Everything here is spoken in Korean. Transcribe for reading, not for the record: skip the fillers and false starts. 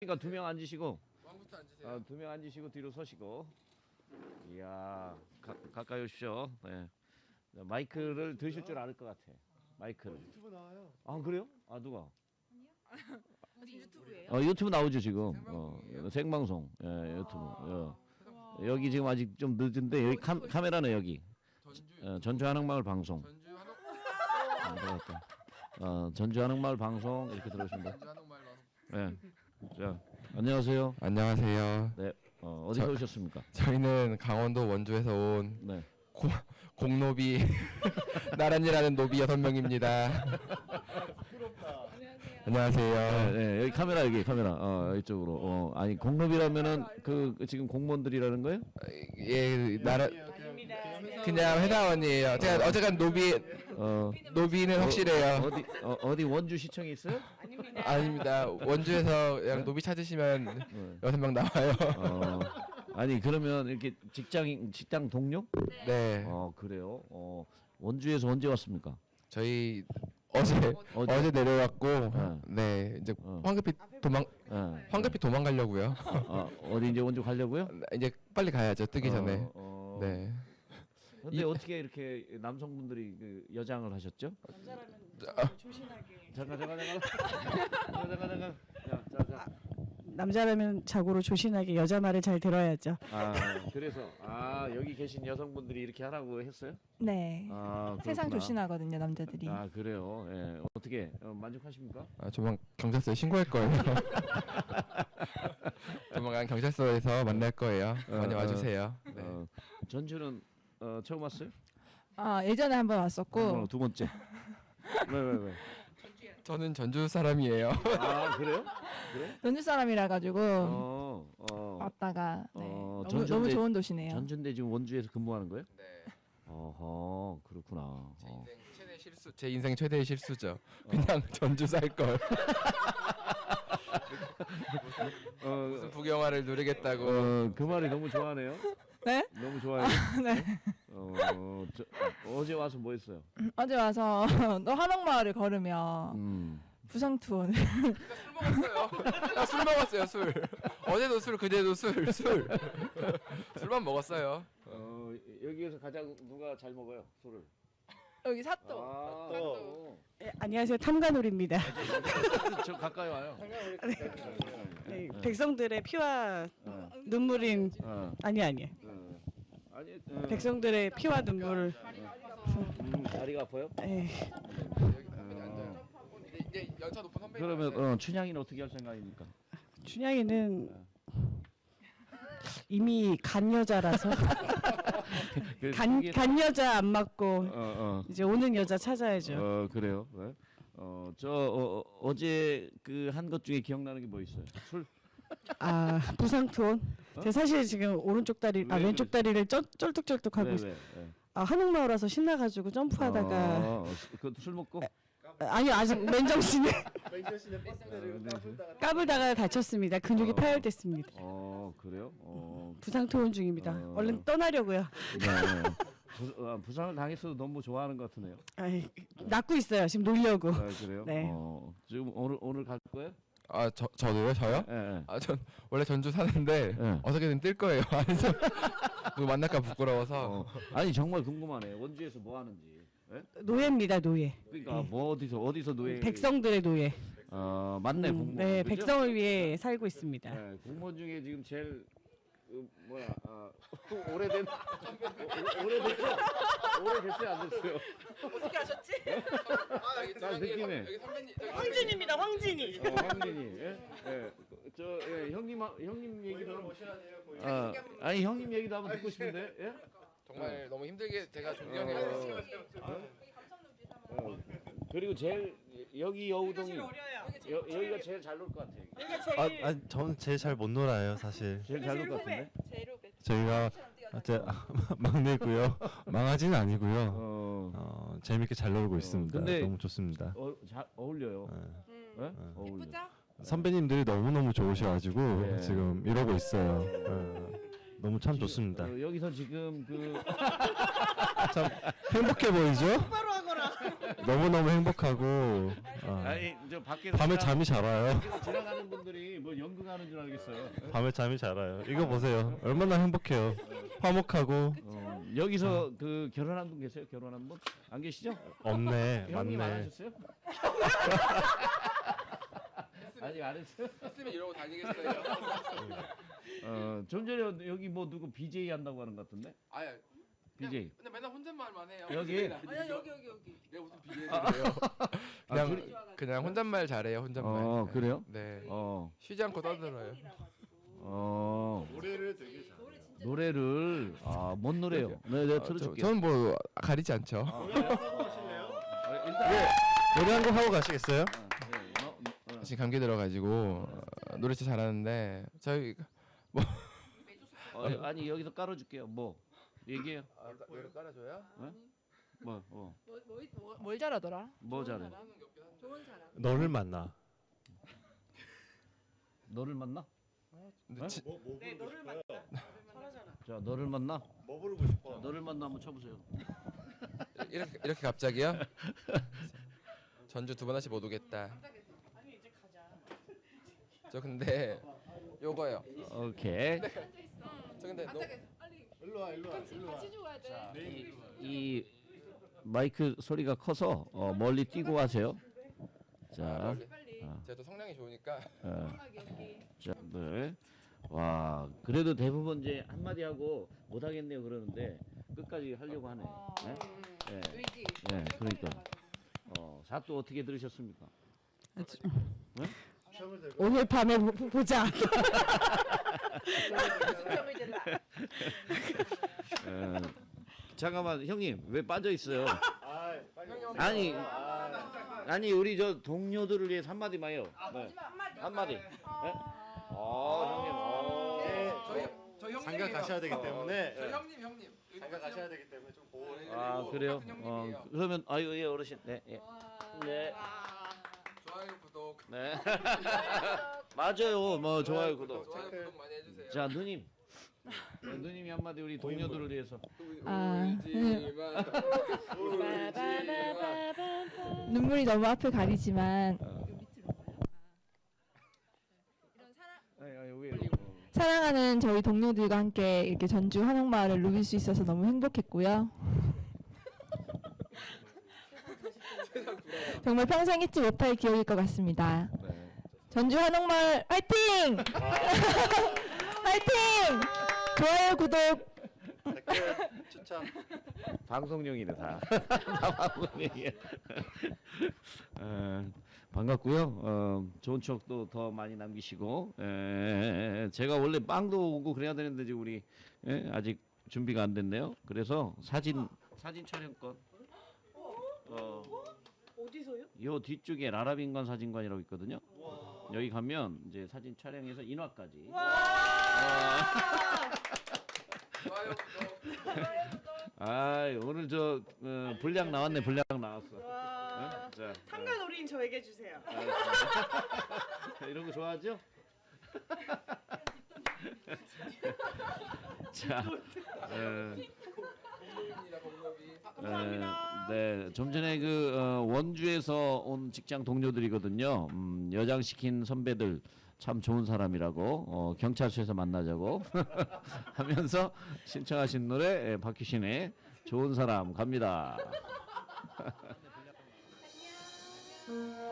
그러니까 두 명 앉으시고. 왕부터 앉으세요. 두 명 앉으시고 뒤로 서시고. 이야, 가까이 오십시오. 네. 마이크를 드실 줄 알 것 같아. 마이크를. 유튜브 나와요. 아 그래요? 아 누가? 무슨 유튜브예요? 유튜브 나오죠 지금. 생방송. 예, 유튜브. 여기 지금 아직 좀 늦은데 여기 카메라는 여기. 전주 한옥마을 방송. 전주 한옥 전주 한옥마을 방송 이렇게 들어오시면 돼요. 전주 한옥마을 방송. 네. 자, 안녕하세요. 안녕하세요. 네. 어디서 오셨습니까? 저희는 강원도 원주에서 온 네. 공노비 나란히라는 노비 6명입니다. 안녕하세요. 네, 네, 여기 카메라 이쪽으로. 아니 공rob이라면은 그 지금 공무원들이라는 거예요? 예, 그냥 회사원이에요. 제가 어쨌든 노비는 확실해요. 어디 원주 시청에 있어요? 아닙니다. 원주에서 그냥 노비 찾으시면 6명 나와요. 아니 그러면 이렇게 직장 동료? 네. 그래요. 원주에서 언제 왔습니까? 저희 어제 내려왔고 네 이제 황급히 도망가려고요. 어디 이제 원주 가려고요? 이제 빨리 가야죠. 뜨기 전에. 네. 근데 어떻게 이렇게 남성분들이 그 여장을 하셨죠? 남자라면 조신하게. 잠깐. 자. 남자라면 자고로 조신하게 여자 말을 잘 들어야죠. 그래서 여기 계신 여성분들이 이렇게 하라고 했어요? 네. 세상 그렇구나. 조신하거든요, 남자들이. 그래요. 예. 어떻게 만족하십니까? 조만 경찰서에 신고할 거예요. 조만간 경찰서에서 만날 거예요. 많이 와주세요. 네. 전주는 처음 왔어요? 예전에 한번 왔었고. 두 번째. 왜? 저는 전주 사람이에요. 그래요? 그래? 전주 사람이라 가지고 왔다가 너무 좋은 도시네요. 전주인데 지금 원주에서 근무하는 거예요? 네. 그렇구나. 제 인생 최대의 실수죠. 그냥 전주 살 걸. 무슨 북영화를 누리겠다고. 그 말이 너무 좋아하네요. 네? 너무 좋아요. 네. 어제 와서 뭐 했어요? 어제 와서 너 한옥마을을 걸으면 부상 투혼. 술 먹었어요. 술 먹었어요. 술. 어제도 술, 그제도 술. 술만 먹었어요. 여기에서 가장 누가 잘 먹어요 술을? 여기 사또. 네, 안녕하세요. 탐관오리입니다. 저 가까이 와요. 네, 백성들의 피와 눈물인 아니. 백성들의 피와 눈물을. 다리가 아파요? 네. 이제 연차 높은 선배. 그러면 춘향이는 어떻게 할 생각입니까? 춘향이는 이미 간 여자라서 간 여자 안 맞고 이제 오는 여자 찾아야죠. 그래요. 네. 어제 그 한 것 중에 기억나는 게 뭐 있어요? 술? 부상 투혼. 제가 사실 지금 오른쪽 다리, 왼쪽 다리를 쩔뚝쩔뚝 하고 있어요. 한옥마을 와서 신나가지고 점프하다가 그것도 술 먹고? 아니요, 아직 맨정신에 맨정신에 버스대를 까불다가 다쳤습니다. 근육이 파열됐습니다. 그래요? 부상 투혼 중입니다. 얼른 떠나려고요. 네. 부상을 당했어도 너무 좋아하는 것 같으네요. 낫고 있어요. 지금 놀려고. 그래요? 네. 지금 오늘 갈 거예요? 저도요? 저요? 네. 전 원래 전주 사는데 어떻게든 뜰 거예요. 안에서 누구 만날까 부끄러워서. 아니 정말 궁금하네. 원주에서 뭐 하는지. 네? 노예입니다, 노예. 그러니까 뭐 어디서 노예? 백성들의 노예. 맞네 공무원. 네, 그죠? 백성을 위해 살고 있습니다. 네, 공무원 중에 지금 제일 오래됐죠? 오래됐어요, 안 됐어요? 어떻게 하셨지? 나 느낌에. 황진입니다, 황진이. 황진이. 형님 얘기도 아니 형님 얘기도 한번 듣고 싶은데. 예? 정말 너무 힘들게 제가 존경해요. 그리고 제일 여기 여우동이 여기가 제일 잘 놀 것 같아. 저는 제일 잘 못 놀아요, 사실. 제일 잘 놀 것 같은데. 저희가 막내고요. 망아지는 아니고요. 재밌게 잘 놀고 있습니다. 근데 너무 좋습니다. 잘 어울려요. 네? 어울려. 선배님들이 너무너무 좋으셔가지고 네. 지금 이러고 있어요. 너무 참 좋습니다. 여기서 지금 참 행복해 보이죠? 너무너무 행복하고 아니 저 밖에서 밤에 잠이 잘 와요. 지나가는 분들이 뭐 연극하는 줄 알겠어요. 밤에 잠이 잘 와요. 이거 보세요. 얼마나 행복해요. 화목하고. 여기서 그 결혼한 분 계세요? 결혼한 분? 안 계시죠? 없네. 형님 안 맞네. 하셨어요? 아직 안 했어요? 했으면 이러고 다니겠어요. 좀 전에 여기 뭐 누구 BJ 한다고 하는 것 같은데? 아야. BJ. 근데 맨날 혼잣말만 해요. 여기? 아니야 여기. 내가 무슨 BJ예요? 그냥 혼잣말 잘해요. 혼잣말. 그래요? 네. 어. 쉬지 않고 떠들어요. 노래를 뭔 노래요? 네, 내가 틀어줄게요. 저는 뭐 가리지 않죠. 일단 노래 한 곡 하고 가시겠어요? 지금 감기 들어가지고 노래 진짜 잘하는데 저희 아니 여기서 깔아줄게요. 뭐 얘기해요. 노래 깔아줘요? 뭘 잘하더라? 뭐 잘해? 너를 만나. 너를 만나? 근데 자, 너를 만나? 뭐 부르고 싶어? 자, 너를 만나 한번 쳐보세요. 이렇게 갑자기요? 전주 2번 다시 못 오겠다. 저 근데 요거요. 오케이. 저 근데 일로 와. 이 마이크 소리가 커서 멀리 뛰고 하세요. 자, 제가 또 성량이 좋으니까 자, 네. 와, 그래도 대부분 이제 한마디 하고 못 하겠네요 그러는데 끝까지 하려고 하네. 네? 네. 네, 그러니까. 사또 어떻게 들으셨습니까? 오늘 밤에 보자. 잠깐만 형님 왜 빠져 있어요? 아니 우리 저 동료들을 위해서 한마디만 해요. 네. 한마디. 네? 형님. 저희 형님 장가 가셔야 되기 때문에. 저희 형님. 장가 가셔야 되기 때문에 좀 보호해. 그래요? 같은 형님이에요. 그러면 아유 예 어르신. 네. 예. 네. 좋아요 구독. 네. 맞아요. 뭐 좋아요 구독. 좋아요 구독 많이 해주세요. 자 누님. 네, 누님이 한마디 우리 동료들을 위해서. 눈물이 너무 앞을 가리지만 사랑하는 저희 동료들과 함께 이렇게 전주 한옥마을을 누빌 수 있어서 너무 행복했고요. 정말 평생 잊지 못할 기억일 것 같습니다. 전주 한옥마을 화이팅! 화이팅! 좋아요, 구독. 댓글 추천. 방송용이네 다. 다 방송용이야. 반갑고요. 좋은 추억도 더 많이 남기시고 제가 원래 빵도 오고 그래야 되는데 지금 우리 아직 준비가 안 됐네요. 그래서 사진 촬영권. 어디서요? 요 뒤쪽에 라라빈관 사진관이라고 있거든요. 여기 가면 이제 사진 촬영해서 인화까지. 좋아요 구독. 오늘 저 분량 나왔네. 분량 나왔어. 자, 참가 놀이인 저에게 주세요. 이런 거 좋아하죠? 자, 네, 좀 전에 그 원주에서 온 직장 동료들이거든요. 여장 시킨 선배들 참 좋은 사람이라고 경찰서에서 만나자고 하면서 신청하신 노래 박효신의 좋은 사람 갑니다.